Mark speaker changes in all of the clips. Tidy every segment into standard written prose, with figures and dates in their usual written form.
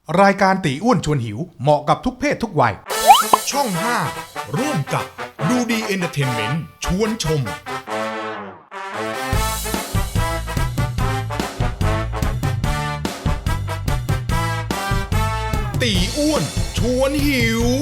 Speaker 1: รายการตีอ้วนชวนหิวเหมาะกับทุกเพศทุกวัย
Speaker 2: ช่อง 5 ร่วมกับดูดีเอนเตอร์เทนเมนต์ชวนชม ตีอ้วนชวนหิว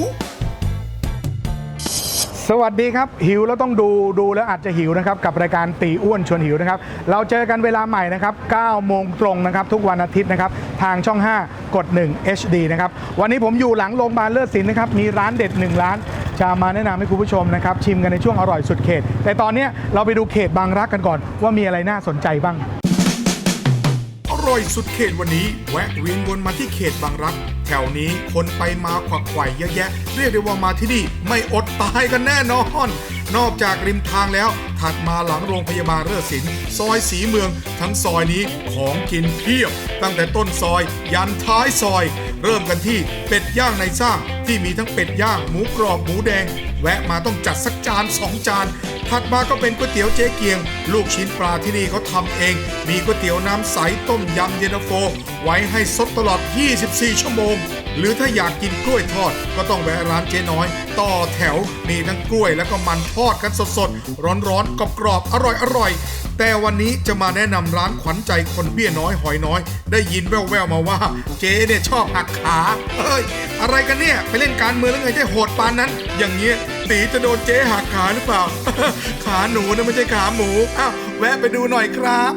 Speaker 1: สวัสดีครับหิวแล้วต้องดูแล้วอาจจะหิวนะครับกับรายการตีอ้วนชวนหิวนะครับเราเจอกันเวลาใหม่นะครับ9 โมงตรงนะครับทุกวันอาทิตย์นะครับทางช่อง 5 กด 1 HD นะครับวันนี้ผมอยู่หลังโรงพยาบาลเลิศศิลป์นะครับมีร้านเด็ด1ร้านจะมาแนะนำให้คุณผู้ชมนะครับชิมกันในช่วงอร่อยสุดเขตแต่ตอนนี้เราไปดูเขตบางรักกันก่อนว่ามีอะไรน่าสนใจบ้าง
Speaker 2: อร่อยสุดเขตวันนี้แวะเวียนวนมาที่เขตบางรักแถวนี้คนไปมาขวักไขว่เยอะแยะเรียกได้ว่ามาที่นี่ไม่อดตายกันแน่นอนนอกจากริมทางแล้วถัดมาหลังโรงพยาบาลเลิศศิลป์ซอยสีเมืองทั้งซอยนี้ของกินเพียบตั้งแต่ต้นซอยยันท้ายซอยเริ่มกันที่เป็ดย่างในซ่างที่มีทั้งเป็ดย่างหมูกรอบหมูแดงแวะมาต้องจัดสักจาน2จานถัดมาก็เป็นก๋วยเตี๋ยวเจ๊เกียงลูกชิ้นปลาที่นี่เขาทำเองมีก๋วยเตี๋ยวน้ำใสต้มยำเย็นตาโฟไว้ให้สดตลอด24 ชั่วโมงหรือถ้าอยากกินกล้วยทอดก็ต้องแวะร้านเจ๊น้อยต่อแถวมีทั้งกล้วยแล้วก็มันทอดกันสดๆร้อนๆกรอบๆอร่อยๆแต่วันนี้จะมาแนะนำร้านขวัญใจคนเบี้ยน้อยหอยน้อยได้ยินแว่วๆมาว่าเจ๊เนี่ยชอบหักขาเฮ้ยอะไรกันเนี่ยไปเล่นการเมืองแล้วไงจะโหดปานนั้นอย่างเงี้ยตีจะโดนเจ๊หักขาหรือเปล่า ขาหนูนะไม่ใช่ขาหมูอ้าวแวะไปดูหน่อยครับ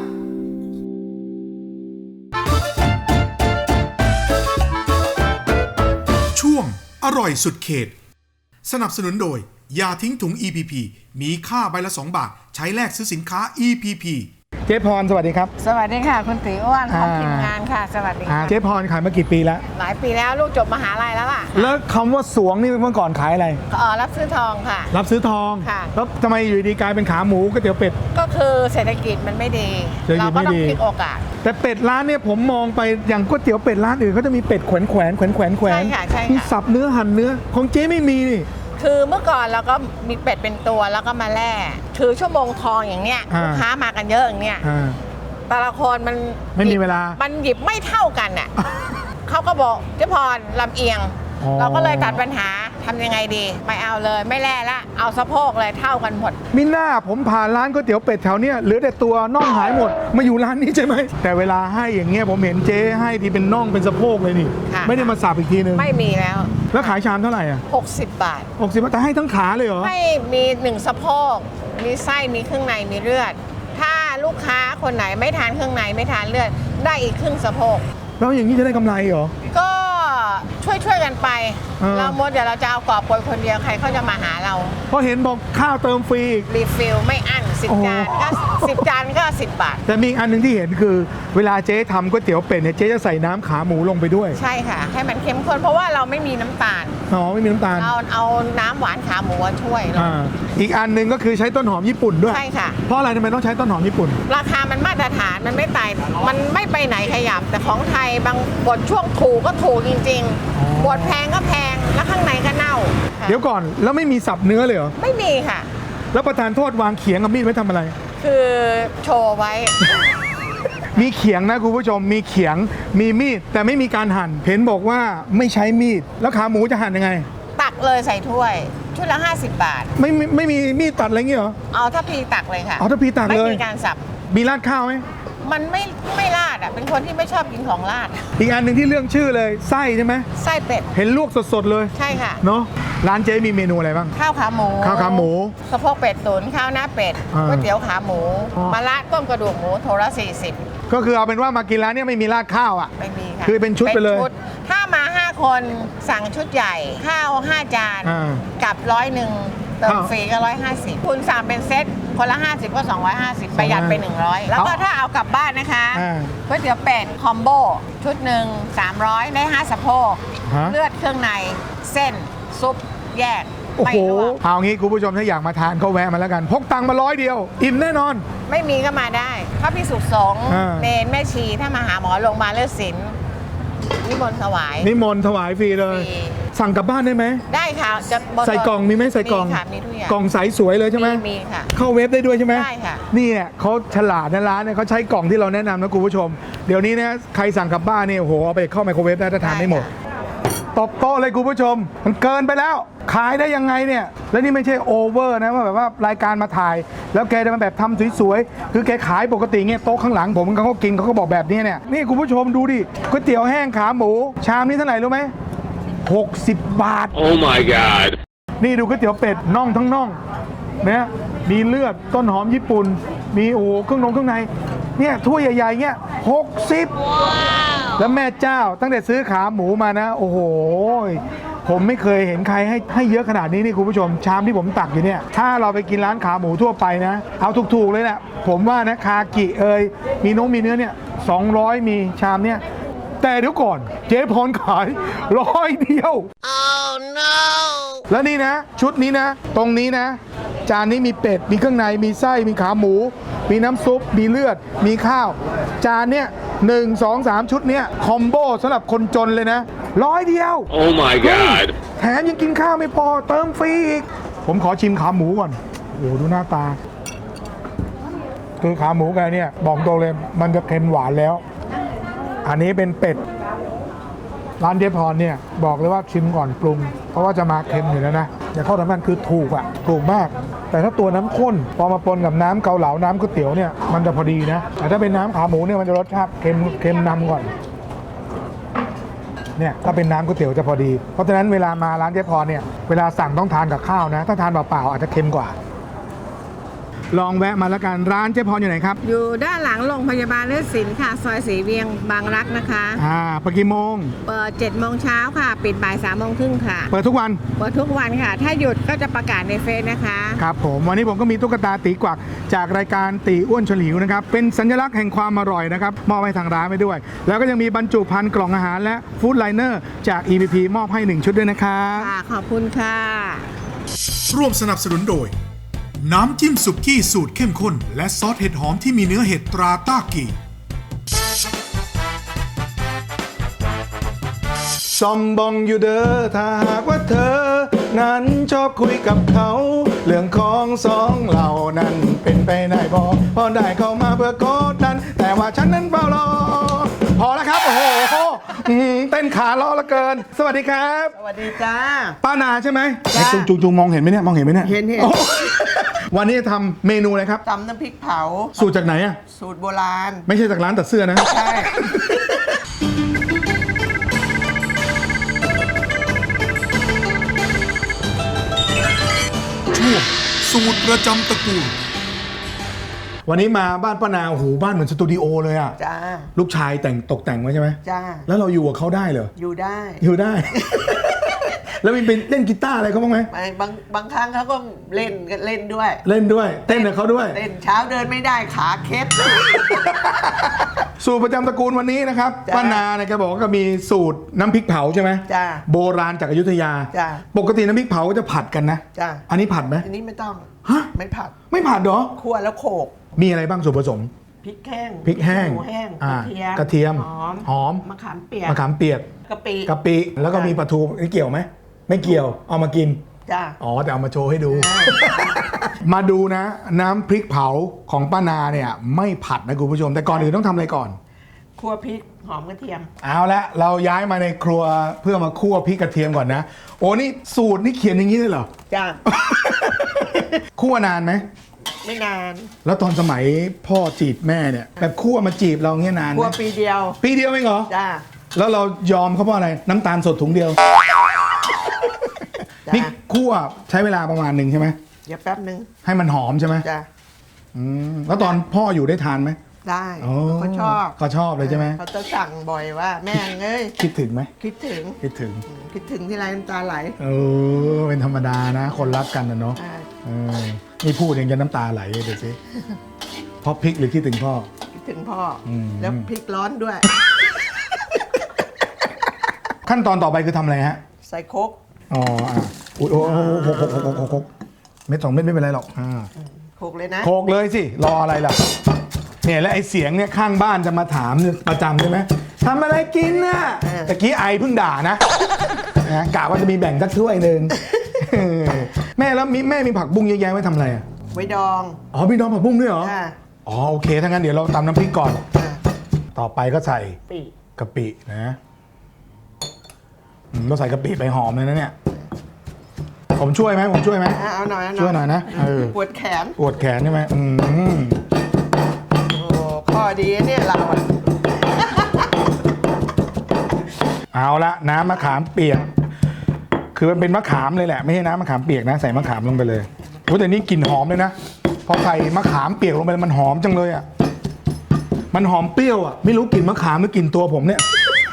Speaker 2: ช่วงอร่อยสุดเขตสนับสนุนโดยยาทิ้งถุง EPP มีค่าใบละ2 บาทใช้แลกซื้อสินค้า EPP
Speaker 1: เจ๊พรสวัสดีครับ
Speaker 3: สวัสดีค่ะคุณตีอ้วนของทีมงานค่ะ สวัสดีค่ะ
Speaker 1: เจ๊พรขายมากี่ปีแล้ว
Speaker 3: หลายปีแล้วลูกจบมหาลัยแล้วล่ะ
Speaker 1: แล้วคำว่าสวงนี่เมื่อก่อนขายอะไร
Speaker 3: รับซื้อทองค่ะ
Speaker 1: รับซื้อทอง
Speaker 3: ค่ะ
Speaker 1: แล้วทำไมอยู่ดีกลายเป็นขาหมูก๋วยเตี๋ยวเป็ด
Speaker 3: ก็คือเศรษฐกิจมันไม่ดี
Speaker 1: เศรษฐกิ
Speaker 3: เรา
Speaker 1: จ
Speaker 3: ก็
Speaker 1: ไม่
Speaker 3: ต้อง
Speaker 1: ดี
Speaker 3: พลิกโอกาส
Speaker 1: แต่เป็ดร้านเนี่ยผมมองไปอย่างก๋วยเตี๋ยวเป็ดร้านอื่นเขาจะมีเป็ดแขวน
Speaker 3: ใช่ค่ะใช่ค่ะ
Speaker 1: มีสับเนื้อหั่นเนื้อของเจ๊ไม่มีนี่
Speaker 3: คือเมื่อก่อนเราก็มีเป็ดเป็นตัวแล้วก็มาแล่ถือชั่วโมงทองอย่างเนี้ย
Speaker 1: อ่า
Speaker 3: ลูกค้ามากันเยอะอย่างเนี้ย
Speaker 1: อ่า
Speaker 3: แต่ละคนมัน
Speaker 1: ไม่มีเวลา
Speaker 3: มันหยิบไม่เท่ากันอ่ะ เขาก็บอกเจ๊พรลำเอียง
Speaker 1: อ๋อ
Speaker 3: เราก็เลยตัดปัญหาทำยังไงดีไม่เอาเลยไม่แล่ละเอาสะโพกเลยเท่ากันหมด
Speaker 1: มิน่าผมผ่านร้านก๋วยเตี๋ยวเป็ดแถวเนี้ยเหลือแต่ตัวน่องหายหมดมาอยู่ร้านนี้ใช่ไหมแต่เวลาให้อย่างเงี้ยผมเห็นเจ๊ให้ทีเป็นน่องเป็นสะโพกเลยนี่
Speaker 3: ค่ะ
Speaker 1: ไม่ได้มาสับอีกทีนึง
Speaker 3: ไม่มีแล้ว
Speaker 1: แล้วขายชามเท่าไหร่อ่ะ
Speaker 3: 60 บาท
Speaker 1: 60 บาทแต่ให้ทั้งขาเลยเหรอ
Speaker 3: ให้มี1สะโพกมีไส้มีเครื่องในมีเลือด ถ้าลูกค้าคนไหนไม่ทานเครื่องในไม่ทานเลือด ได้อีกครึ่งสะโพก
Speaker 1: แล้วอย่างนี้จะได้กำไรเหรอ
Speaker 3: ก็ช่วยกันไป เราหมดเดี๋ยวเราจะเอากอบโกยคนเดียวใครเขาจะมาหาเรา
Speaker 1: เพราะเห็นบอกข้าวเติมฟรีอีก
Speaker 3: รีฟิลไม่อั้น
Speaker 1: โอ้
Speaker 3: 10 จานก็10 จานก็ 10 บาท
Speaker 1: แต่มีอีกอันหนึ่งที่เห็นคือเวลาเจ๊ทำก๋วยเตี๋ยวเป็ดเนี่ยเจ๊จะใส่น้ำขาหมูลงไปด้วย
Speaker 3: ใช่ค่ะ ให้มันเข้มข้นเพราะว่าเราไม่มีน้ำตาล
Speaker 1: อ๋อไม่มีน้ำตาล
Speaker 3: เราเอาน้ำหวานขาหมูมาช่วย
Speaker 1: อีกอันหนึ่งก็คือใช้ต้นหอมญี่ปุ่นด้วย
Speaker 3: ใช่ค่ะ
Speaker 1: เพราะอะไรทำไมต้องใช้ต้นหอมญี่ปุ่น
Speaker 3: ราคามันมาตรฐานมันไม่ไต่มันไม่ไปไหนขยับ แต่ของไทยบางบทช่วงถูกก็ถูกจริง
Speaker 1: อ๋อ
Speaker 3: ๆบทแพงก็แพงแล้วข้างในก็เน่าค่ะ
Speaker 1: เดี๋ยวก่อนแล้วไม่มีสับเนื้อเลยเหรอ
Speaker 3: ไม่มีค่ะ
Speaker 1: แล้วประธานโทษวางเขียงกับมีดไว้ทำอะไร
Speaker 3: คือโชว์ไว้
Speaker 1: มีเขียงนะคุณผู้ชมมีเขียงมีมีดแต่ไม่มีการหั่นเห็นบอกว่าไม่ใช้มีดแล้วขาหมูจะหั่นยังไง
Speaker 3: ตักเลยใส่ถ้วย ชุดละ 50 บาท
Speaker 1: ไม่มีมีดตัดอะไรเงี้ยเหรอ
Speaker 3: เอาถ้าพีตักเลยค่ะ
Speaker 1: เอาถ้าพีตักเลย
Speaker 3: ไม่มีการสับ
Speaker 1: มีราดข้าวไหม
Speaker 3: มันไม่ราดอ่ะเป็นคนที่ไม่ชอบกินของราด
Speaker 1: อีกอันหนึ่งที่เรื่องชื่อเลยไส้ใช่ไหม
Speaker 3: ไส้เป็ด
Speaker 1: เห็นลวกสดๆเลย
Speaker 3: ใช่ค่ะ
Speaker 1: เนาะร้านเจ๊มีเมนูอะไรบ้าง
Speaker 3: ข้าวขาหมู
Speaker 1: ข้าวขาหมู
Speaker 3: สะโพกเป็ดตุ๋นข้าวหน้าเป็ด
Speaker 1: อ่า
Speaker 3: ก๋วยเตี๋ยวขาหมู
Speaker 1: อ๋อ
Speaker 3: มะระต้มกระดูกหมูโทละ40
Speaker 1: ก็คือเอาเป็นว่ามากินร้านเนี้ไม่มีราดข้าวอ่ะ
Speaker 3: ไม่มีค่ะ
Speaker 1: คือเป็นชุดไปเลย
Speaker 3: ถ้ามา 5 คนสั่งชุดใหญ่ ข้าว 5 จาน
Speaker 1: อ่า
Speaker 3: กับ100เติมฟรีก็150คุณสั่งเป็นเซตคนละ 50 ก็ 250 ประหยัดไป 100 แล้วก็ถ้าเอากลับบ้านนะคะ
Speaker 1: อ่า
Speaker 3: ก๋วยเตี๋ยวเป็ดคอมโบชุดหนึ่ง300 ได้ 5 สะโพก
Speaker 1: ฮะ
Speaker 3: เลือดเครื่องในเส้น ซุปแยก
Speaker 1: โอ้
Speaker 3: ไม่
Speaker 1: โห
Speaker 3: ลวก
Speaker 1: เอางี้คุณผู้ชมถ้าอยากมาทานก็แวะมาแล้วกัน พกตังค์มา100 เดียว อิ่มแน่นอน
Speaker 3: ไม่มีก็มาได้พระพิสุสงฆ์
Speaker 1: อ่า
Speaker 3: เนนแม่ชีถ้ามาหาหมอโรงพยาบาลเลิศศิลป์นิมนต์ถวาย
Speaker 1: นิมนต์ถวายฟรีเลย
Speaker 3: ฟรี
Speaker 1: สั่งกลับบ้านได้ไหม
Speaker 3: ได้ค่ะจะบ
Speaker 1: ใส่กล่องมีไหมใส่กล่อง
Speaker 3: มีค่ะมีทุกอย่าง
Speaker 1: กล่องใสสวยเลยใช่ไหม
Speaker 3: มีค่ะ
Speaker 1: เข้าเว็บได้ด้วยใช่ไหม
Speaker 3: ได้ค่ะ
Speaker 1: นี่เนี่ยเขาฉลาดนะร้านเนี่ยเขาใช้กล่องที่เราแนะนำนะคุณผู้ชม เดี๋ยวนี้นะใครสั่งกลับบ้านเนี่ยโอ้โหเอาไปเข้าไมโครเวฟได้ถ้าทานไม่หมด ตบโต๊ะเลยคุณผู้ชม มันเกินไปแล้ว ขายได้ยังไงเนี่ย แล้วนี่ไม่ใช่โอเวอร์นะว่าแบบว่ารายการมาถ่าย แล้วแกจะมาแบบทำสวยๆ คือแกขายปกติเงี้ยโต๊ะข้างหลังผมเขาก็กินเขาก็บอกแบบนี้เนี่ย นี่คุณผู้ชมดูดิก๋วยเตี๋ยวแห้งขาหมู ชามนี้เท่าไหร่รู้ไหม60 บาท
Speaker 4: Oh my god.
Speaker 1: นี่ดูก๋วยเตี๋ยวเป็ดน่องทั้งน่องนะมีเลือดต้นหอมญี่ปุ่น มีโอ้โหเครื่องในเนี่ยถ้วยใหญ่ๆเงี้ย60 แล้วแม่เจ้าตั้งแต่ซื้อขาหมูมานะ โอ้โหผมไม่เคยเห็นใครให้เยอะขนาดนี้นี่คุณผู้ชมชามที่ผมตักอยู่เนี่ยถ้าเราไปกินร้านขาหมูทั่วไปนะเอาถูกๆเลยแหละผมว่านะคากิมีน้องมีเนื้อเนี่ย200มีชามเนี่ยแต่เดี๋ยวก่อนเจ๊พรขาย100 เดียว แล้วนี่นะชุดนี้นะตรงนี้นะจานนี้มีเป็ดมีเครื่องในมีไส้มีขาหมู มีน้ำซุปมีเลือดมีข้าวจานเนี้ย1 2 3 ชุดเนี้ยคอมโบสำหรับคนจนเลยนะ100 เดียว
Speaker 4: Oh my
Speaker 1: เฮ้ย
Speaker 4: god.
Speaker 1: แถมยังกินข้าวไม่พอเติมฟรีอีกผมขอชิมขาหมูก่อนโอ้โหดูหน้าตาคือขาหมูกันเนี่ยบอกตรงเลยมันจะเค็มหวานแล้ว อันนี้เป็นเป็ดร้านเจ๊พรเนี่ยบอกเลยว่าชิมก่อนปรุงเพราะว่าจะมาเค็มอยู่แล้วนะอย่าเข้าทำมันคือถูกมาก แต่ถ้าตัวน้ำข้นพอมาปนกับน้ำเกาเหลาน้ำก๋วยเตี๋ยวเนี่ยมันจะพอดีนะแต่ถ้าเป็นน้ำขาหมูเนี่ยมันจะรสชาติเค็มนำก่อนเนี่ยถ้าเป็นน้ำก๋วยเตี๋ยวจะพอดีเพราะฉะนั้นเวลามาร้านเจ๊พรเนี่ยเวลาสั่งต้องทานกับข้าวนะถ้าทานเปล่าๆอาจจะเค็มกว่าลองแวะมาแล้วกันร้านเจ๊พรอยู่ไหนครับ
Speaker 3: อยู่ด้านหลังโรงพยาบาลเลือดศิลป์ค่ะ ซอยสีเวียงบางรักนะคะ
Speaker 1: เปิดกี่โมง
Speaker 3: เปิด7 โมงเช้าค่ะ ปิดบ่าย3 โมงครึ่งค่ะ
Speaker 1: เปิดทุกวัน
Speaker 3: เปิดทุกวันค่ะ ถ้าหยุดก็จะประกาศในเฟซนะคะ
Speaker 1: ครับผมวันนี้ผมก็มีตุ๊กตาตีกวักจากรายการตีอ้วนชวนหิวนะครับเป็นสัญลักษณ์แห่งความอร่อยนะครับมอบให้ทางร้านไปด้วย แล้วก็ยังมีบรรจุภัณฑ์กล่องอาหารและฟู้ดไลเนอร์จาก EPP มอบให้1ชุดด้วยนะครับ
Speaker 3: ค่ะ ขอบคุณค่ะ
Speaker 2: ร่วมสนับสนุนโดย น้ำจิ้มสุกี้สูตรเข้มข้น และซอสเห็ดหอมที่มีเนื้อเห็ดตราต้ากี
Speaker 1: ซอมบองอยู่เด้อถ้าหากว่าเธอ นั้นชอบคุยกับเขา เรื่องของสองเรานั้นเป็นไปได้พอได้เข้ามาเพื่อกดดัน แต่ว่าฉันนั้นเฝ้ารอ พอแล้วครับ โอ้โหเต้นขาล้อละเกิน สวัสดีครับ
Speaker 5: สวัสดีจ้า
Speaker 1: ป้านาใช่ไหม
Speaker 5: จ้า
Speaker 1: จุงมองเห็นไหมเนี่ยมองเห็นไหมเนี่ย
Speaker 5: เห็น
Speaker 1: โอ้วันนี้จะทำเมนูอะไรครับ
Speaker 5: ตำน้ำพริกเผา
Speaker 1: สูตรจากไหนอ่ะ
Speaker 5: สูตรโบราณ
Speaker 1: ไม่ใช่จากร้านตัดเสื้อนะ
Speaker 5: ใช่
Speaker 2: ช่วงสูตรประจำตระกูล
Speaker 1: วันนี้มาบ้านป้านาโอ้โหบ้านเหมือนสตูดิโอเลยอ่ะ
Speaker 5: จ้า
Speaker 1: ลูกชายตกแต่งไว้ใช่ไหม
Speaker 5: จ้า
Speaker 1: แล้วเราอยู่กับเขาได้เหรอ
Speaker 5: อยู่ได้
Speaker 1: อยู่ได้ แล้วมีเป็นเล่นกีตาร์อะไรเขาบ้างไหม
Speaker 5: ไม่บางครั้งเขาก็เล่นด้วย
Speaker 1: เล่นด้วย เต้นกับเขาด้วย
Speaker 5: เล่นเช้าเดินไม่ได้ขาเคล็ด
Speaker 1: สูตรประจำตระกูลวันนี้นะครับ
Speaker 5: จ้ะ
Speaker 1: ป้านาเนี่ยแกบอกว่าก็มีสูตรน้ำพริกเผาใช่ไหม
Speaker 5: จ้ะ
Speaker 1: โบราณจากอยุธยา
Speaker 5: จ้ะ
Speaker 1: ปกติน้ำพริกเผาก็จะผัดกันนะ
Speaker 5: จ้า
Speaker 1: อันนี้ผัดไหม
Speaker 5: อันนี้ไม่ต้อง
Speaker 1: ฮะ
Speaker 5: ไม่ผัด
Speaker 1: ไม่ผัดเหรอ
Speaker 5: คั่วแล้วโขก
Speaker 1: มีอะไรบ้างส่วนผสม
Speaker 5: พริกแห้ง
Speaker 1: พริกแห้ง
Speaker 5: หมูแห้ง
Speaker 1: อ่าก
Speaker 5: ระเทียม
Speaker 1: หอม
Speaker 5: มะขามเปียก
Speaker 1: มะขามเปียก
Speaker 5: กะปิ
Speaker 1: กะปิแล้วก็มีปลาทูนี่เกี่ยวไหมไม่เกี่ยวเอามากิน
Speaker 5: จ้า
Speaker 1: อ๋อแต่เอามาโชว์ให้ดู มาดูนะ น้ำพริกเผาของป้านาเนี่ยไม่ผัดนะคุณผู้ชม แต่ก่อนอื่นต้องทำอะไรก่อน
Speaker 5: คั่วพริกหอมกระเทียม
Speaker 1: เอาละเราย้ายมาในครัวเพื่อมาคั่วพริกกระเทียมก่อนนะ โอ้นี่สูตรนี่เขียนอย่างนี้เลยเหรอ
Speaker 5: จ้า
Speaker 1: คั่วนานไหม
Speaker 5: ไม่นาน
Speaker 1: แล้วตอนสมัยพ่อจีบแม่เนี่ยแบบคั่วมาจีบเราเงี้ยนานไห
Speaker 5: คั่ว
Speaker 1: ม
Speaker 5: ปีเดียว
Speaker 1: ปีเดียวเองเหรอ
Speaker 5: จ้า
Speaker 1: แล้วเรายอมเขาเพราะอะไรน้ำตาลสดถุงเดียว
Speaker 5: จ้า
Speaker 1: นี่คั่วใช้เวลาประมาณหนึ่งใช่ไหม
Speaker 5: เดี๋ยวแป๊บนึง
Speaker 1: ให้มันหอมใช่ไหม
Speaker 5: จ้า
Speaker 1: แล้วตอนพ่ออยู่ได้ทานไหม
Speaker 5: ได้
Speaker 1: อ๋อ
Speaker 5: เขาชอบ
Speaker 1: เขาชอบเลยใช่ไหม
Speaker 5: เขาจะสั่งบ่อยว่า แม่งเอ้ย
Speaker 1: คิดถึงไหม
Speaker 5: คิดถึง
Speaker 1: คิดถึง
Speaker 5: คิดถึงที่ไรน้ำตาไหล
Speaker 1: เป็นธรรมดานะ คนรักกันนะเนาะ
Speaker 5: ใช่
Speaker 1: เออนี่พูดเองจะน้ำตาไหลเลยเดี๋ยวสิเพราะพริกหรือคิดถึงพ่อ
Speaker 5: คิดถึงพ่ออ
Speaker 1: ม
Speaker 5: แล้วพริกร้อนด้วย
Speaker 1: ขั้นตอนต่อไปคือทำอะไรฮะ
Speaker 5: ใส่โคก
Speaker 1: อ๋ออุ๊ยโอ้โหหกเม็ดสองเม็ดไม่เป็นไรหรอก
Speaker 5: โคกเลยนะ
Speaker 1: โขกเลยสิ รออะไรล่ะเนี่ยและไอเสียงเนี่ยข้างบ้านจะมาถามประจำใช่ไหมทำอะไรกินน่ะตะกี้ไอเพิ่งด่านะนะกะว่าจะมีแบ่งสักถ้วยหนึ่ง แม่แล้วแม่มีผักบุ้งเยอะแยะไว้ทำอะไรอ่ะ
Speaker 5: ไว้ดอง
Speaker 1: อ๋อมีดองผักบุ้งด้วยเหรอ
Speaker 5: ค่ะ
Speaker 1: อ๋อโอเคถ้างั้นเดี๋ยวเราตำน้ำพริกก่อน
Speaker 5: ค่ะ
Speaker 1: ต่อไปก็ใส่
Speaker 5: ปี
Speaker 1: กะปินะเราใส่กะปิไปหอมเลยนะเนี่ยผมช่วยไหม
Speaker 5: เอาหน่อย
Speaker 1: ช่วยหน่อยนะ
Speaker 5: ปวดแขน
Speaker 1: ปวดแขนใช่ไหม
Speaker 5: โอ้ข้อดีเนี่ยเราอะ
Speaker 1: เอาละน้ำมะขามเปียก คือมันเป็นมะขามเลยแหละไม่ใช่น้ำมะขามเปียกนะใส่มะขามลงไปเลยโอ้แต่นี่กลิ่นหอมเลยนะพอใส่มะขามเปียกลงไปมันหอมจังเลยอ่ะมันหอมเปรี้ยวอ่ะไม่รู้กลิ่นมะขามหรือกลิ่นตัวผมเนี่ย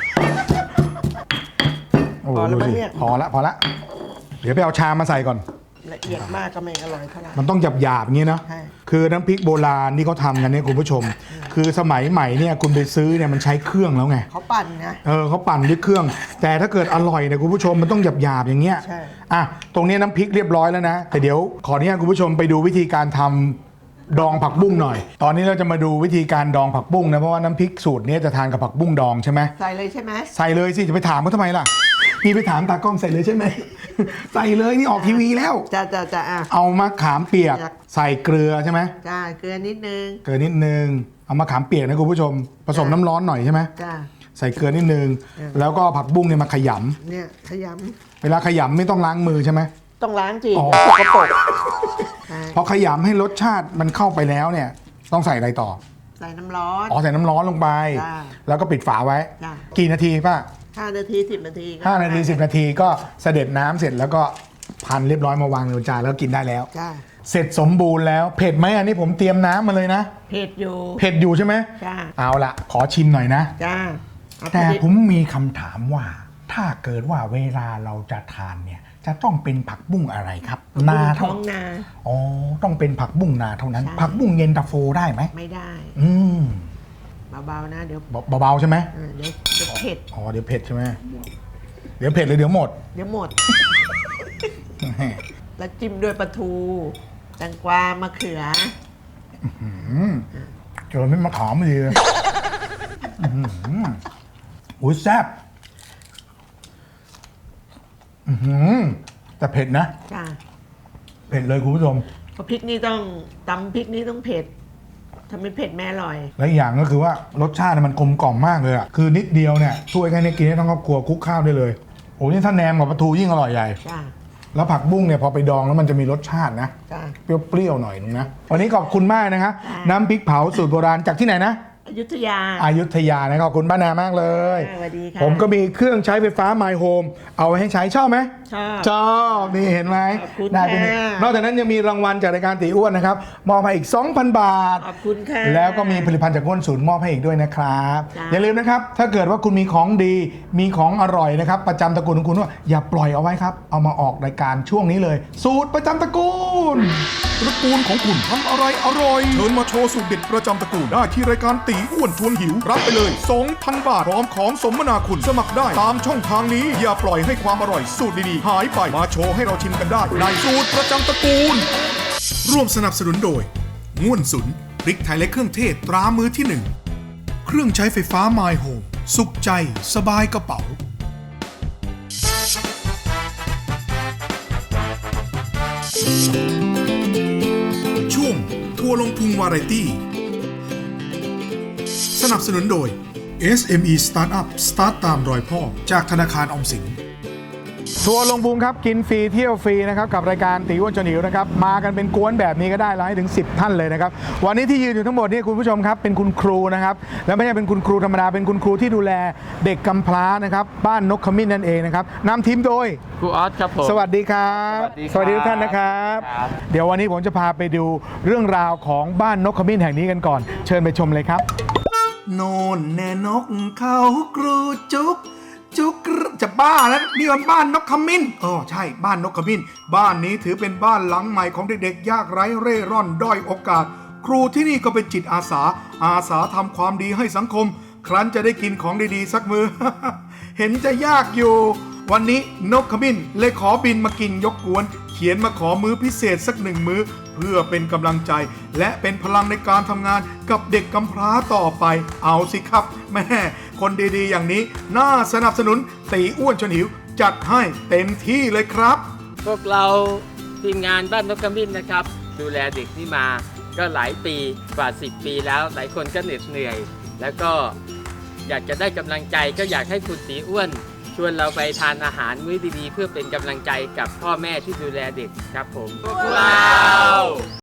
Speaker 1: โอ้ดูสิพอละเดี๋ยวไปเอาชามมาใส่ก่อน
Speaker 5: ละเอียดมากก็ไม่อร่อยเท่าไหร่
Speaker 1: มันต้องหยาบๆอย่างนี้เนาะ
Speaker 5: ใช่
Speaker 1: คือน้ำพริกโบราณที่เขาทำกันเนี่ยคุณผู้ชม คือสมัยใหม่เนี่ยคุณไปซื้อเนี่ยมันใช้เครื่องแล้วไง
Speaker 5: เขาปั่นนะ
Speaker 1: เขาปั่นด้วยเครื่อง แต่ถ้าเกิดอร่อยเนี่ยคุณผู้ชมมันต้องหยาบๆอย่างเงี้ย
Speaker 5: ใช่
Speaker 1: อ่ะตรงนี้น้ำพริกเรียบร้อยแล้วนะแต่เดี๋ยวขออนุญาตคุณผู้ชมไปดูวิธีการทำดองผักบุ้งหน่อย ตอนนี้เราจะมาดูวิธีการดองผักบุ้งนะเพราะว่าน้ำพริกสูตรนี้จะทานกับผักบุ้งดองใช่ไหม
Speaker 5: ใส่เลยใช่ไหม
Speaker 1: ใส่เลยสิจะไปถามเขาทำไมล่ะพี่ไปถามตากล้องใส่เลยใช่ไหม ใส่เลยนี่ออกทีวีแล้ว
Speaker 5: จะอ่ะ
Speaker 1: เอามะขามเปียกใส่เกลือใช่ไหม
Speaker 5: จ้าเกลือนิดนึง
Speaker 1: เกลือนิดนึงเอามะขามเปียกนะคุณผู้ชมผสมน้ำร้อนหน่อยใช่ไหม
Speaker 5: จ้า
Speaker 1: ใส่เกลือนิดนึงแล้วก็ผักบุ้งเนี่ยมาขย
Speaker 5: เนี่ยขย
Speaker 1: ำเวลาขยำไม่ต้องล้างมือใช่ไหม
Speaker 5: ำต้องล้างจี
Speaker 1: อ๋อ
Speaker 5: สกปรกใช่
Speaker 1: พอขยำให้รสชาติมันเข้าไปแล้วเนี่ยต้องใส่อะไรต่อ
Speaker 5: ใส่น้ำร้อน
Speaker 1: อ๋อใส่น้ำร้อนลงไป
Speaker 5: จ้า
Speaker 1: แล้วก็ปิดฝาไว้
Speaker 5: จ้า
Speaker 1: กี่นาทีป้า
Speaker 5: 5 นาที 10 นาทีก็
Speaker 1: 5 นาที 10 นาทีก็เสด็จน้ำเสร็จแล้วก็พันเรียบร้อยมาวางในจานแล้วกินได้แล้ว
Speaker 5: จ้า
Speaker 1: เสร็จสมบูรณ์แล้วเผ็ดไหมอันนี้ผมเตรียมน้ำมาเลยนะ
Speaker 5: เผ็ดอยู่
Speaker 1: เผ็ดอยู่ใช่ไหม
Speaker 5: จ้า
Speaker 1: เอาละขอชิมหน่อยนะ
Speaker 5: จ้าเอา
Speaker 1: แต่
Speaker 5: พอดี
Speaker 1: ผมมีคำถามว่า ถ้าเกิดว่าเวลาเราจะทานเนี่ยจะต้องเป็นผักบุ้งอะไรครับ นา
Speaker 5: ท้
Speaker 1: เท่า
Speaker 5: องนา
Speaker 1: อ๋อต้องเป็นผักบุ้งนาเท่านั้น
Speaker 5: ใช่
Speaker 1: ผักบุ้งเย็นตาโฟได้ไหม
Speaker 5: ไม่ได้
Speaker 1: อืม
Speaker 5: เบาๆนะเดี๋ยว
Speaker 1: เบาๆใช่ไหม
Speaker 5: เดี๋ยวเผ็ด
Speaker 1: อ๋อเดี๋ยวเผ็ดใช่ไหมเดี๋ยวเผ็ดหรือเดี๋ยวหมด
Speaker 5: เดี๋ยวหมด แล้วจิ้มด้วยปลาทูแตงกวามะเขือ
Speaker 1: เจอไม่มาขอมดีเลยอุ้ยแซ่บแต่เผ็ดนะ
Speaker 5: จ้า
Speaker 1: เผ็ดเลยคุณผู้ชม
Speaker 5: เพราะพริกนี่ต้องตำพริกนี่ต้องเผ็ดถ้าไม่เผ็ดแม่อร่อย
Speaker 1: และอีกอย่างก็คือว่ารสชาติมันกลมกล่อมมากเลยอ่ะคือนิดเดียวเนี่ยถ้วยแค่นี้กินได้ทั้งครอบครัวคลุกข้าวได้เลยโอ้นี่ถ้าแนมกับปลาทูยิ่งอร่อยใหญ่
Speaker 5: จ้า
Speaker 1: แล้วผักบุ้งเนี่ยพอไปดองแล้วมันจะมีรสชาตินะ
Speaker 5: จ้า
Speaker 1: เปรี้ยวๆหน่อยนึงนะวันนี้ขอบคุณมากนะครับน้ำพริกเผาสูตรโบราณจากที่ไหนนะ
Speaker 5: อยุธยา
Speaker 1: อยุธยานะขอบคุณป้านามากเลย
Speaker 5: สวัสดีค่ะ
Speaker 1: ผมก็มีเครื่องใช้ไฟฟ้า My Home เอาไว้ให้ใช้ชอบไหม
Speaker 5: ชอบ
Speaker 1: ชอบนี่เห็นไหม
Speaker 5: ขอบคุณ
Speaker 1: ได้เป็น
Speaker 5: ค่ะ
Speaker 1: นอกจากนั้นยังมีรางวัลจากรายการตีอ้วนนะครับมอบให้อีก 2,000 บาท
Speaker 5: ขอบคุณค่ะ
Speaker 1: แล้วก็มีผลิตภัณฑ์จากก้นศูนย์มอบให้อีกด้วยนะครับ
Speaker 5: จ้า
Speaker 1: อย่าลืมนะครับ ถ้าเกิดว่าคุณมีของดีมีของอร่อยนะครับ ประจำตระกูลของคุณว่าอย่าปล่อยเอาไว้ครับ เอามาออกรายการช่วงนี้เลย สูตรประจำตระกูล
Speaker 2: ตระกูลของคุณทำอะไรอร่อยเชิญมาโชว์สูตรเด็ดประจำตระกูลได้ที่รายการตีอ้วนชวนหิวรับไปเลย 2,000 บาทพร้อมของสมนาคุณสมัครได้ตามช่องทางนี้อย่าปล่อยให้ความอร่อยสูตรดีๆหายไปมาโชว์ให้เราชิมกันได้ในสูตรประจำตระกูล ร่วมสนับสนุนโดยง่วนสุนพริกไทยและเครื่องเทศตรามือที่ 1 เครื่องใช้ไฟฟ้า My Home สุขใจสบายกระเป๋าช่วงทัวร์ลงพุงวาไรตี้สนับสนุนโดย SME Startup สตาร์ทตามรอยพ่อจากธนาคารออมสิน
Speaker 1: ทัวร์ลงพุงครับกินฟรีเที่ยวฟรีนะครับกับรายการตีอ้วนชวนหิวนะครับมากันเป็นกวนแบบนี้ก็ได้แล้วให้ถึง10ท่านเลยนะครับวันนี้ที่ยืนอยู่ทั้งหมดนี่คุณผู้ชมครับเป็นคุณครูนะครับและไม่ใช่เป็นคุณครูธรรมดาเป็นคุณครูที่ดูแลเด็กกำพร้านะครับบ้านนกขมิ้นนั่นเองนะครับนำทีมโดย
Speaker 4: ครูออสครับผม
Speaker 1: สวัสดีครับ
Speaker 4: สวัสดีครับ
Speaker 1: ทุกท่านนะครับ
Speaker 4: ครับ
Speaker 1: เดี๋ยววันนี้ผมจะพาไปดูเรื่องราวของบ้านนกขมิ้นแห่งนี้กันก่อน เชิญไปชมเลยครับ
Speaker 2: โน่นแน่นกเขากรูจุกจุกจะบ้าแล้วนี่มันบ้านนกขมิ้นใช่บ้านนกขมิ้นบ้านนี้ถือเป็นบ้านหลังใหม่ของเด็กๆยากไร้เร่ร่อนด้อยโอกาส ครูที่นี่ก็เป็นจิตอาสาทำความดีให้สังคม ครั้นจะได้กินของดีๆสักมือ เห็นจะยากอยู่ วันนี้นกขมิ้นเลยขอบินมากินยกกวน เขียนมาขอมื้อพิเศษสัก1 มื้อ เพื่อเป็นกำลังใจและเป็นพลังในการทำงานกับเด็กกำพร้าต่อไป เอาสิครับแม่คนดีๆอย่างนี้น่าสนับสนุนตีอ้วนชวนหิวจัดให้เต็มที่เลยครับ
Speaker 4: พวกเราทีมงานบ้านนกขมิ้นนะครับ ดูแลเด็กนี่มาก็หลายปีกว่า10 ปีแล้วหลายคนก็เหน็ดเหนื่อย แล้วก็อยากจะได้กำลังใจก็อยากให้คุณตีอ้วน ชวนเราไปทานอาหารมื้อดีๆ เพื่อเป็นกำลังใจกับพ่อแม่ที่ดูแลเด็กครับผมพวกเรา